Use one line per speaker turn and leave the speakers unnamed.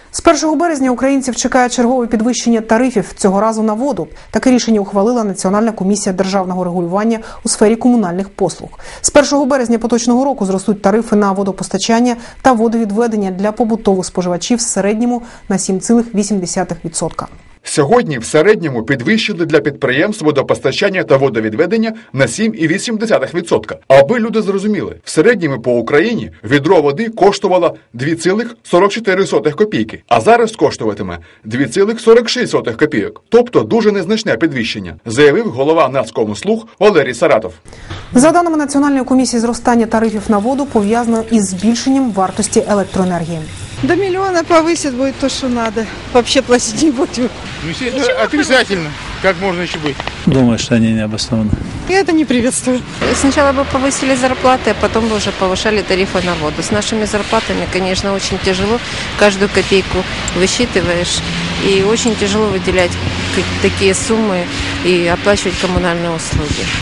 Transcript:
З 1 березня українців чекає чергове підвищення тарифів, цього разу на воду. Таке рішення ухвалила Національна комісія державного регулювання у сфері комунальних послуг. З 1 березня поточного року зростуть тарифи на водопостачання та водовідведення для побутових споживачів в середньому на 7,8%.
Сьогодні в середньому підвищили для підприємств водопостачання та водовідведення на 7,8%. Аби люди зрозуміли, в середньому по Україні відро води коштувало 2,44 копійки, а зараз коштуватиме 2,46 копійок. Тобто дуже незначне підвищення, заявив голова Нацкомслуг Валерій Саратов.
За даними Національної комісії, зростання тарифів на воду пов'язано із збільшенням вартості електроенергії.
До миллиона повысит будет то, что надо. Вообще платить не будем.
Ну, естественно, отрицательно. Как можно еще быть?
Думаю, что они не обоснованы.
Я это не приветствую.
Сначала бы повысили зарплаты, а потом бы уже повышали тарифы на воду. С нашими зарплатами, конечно, очень тяжело. Каждую копейку высчитываешь. И очень тяжело выделять такие суммы и оплачивать коммунальные услуги.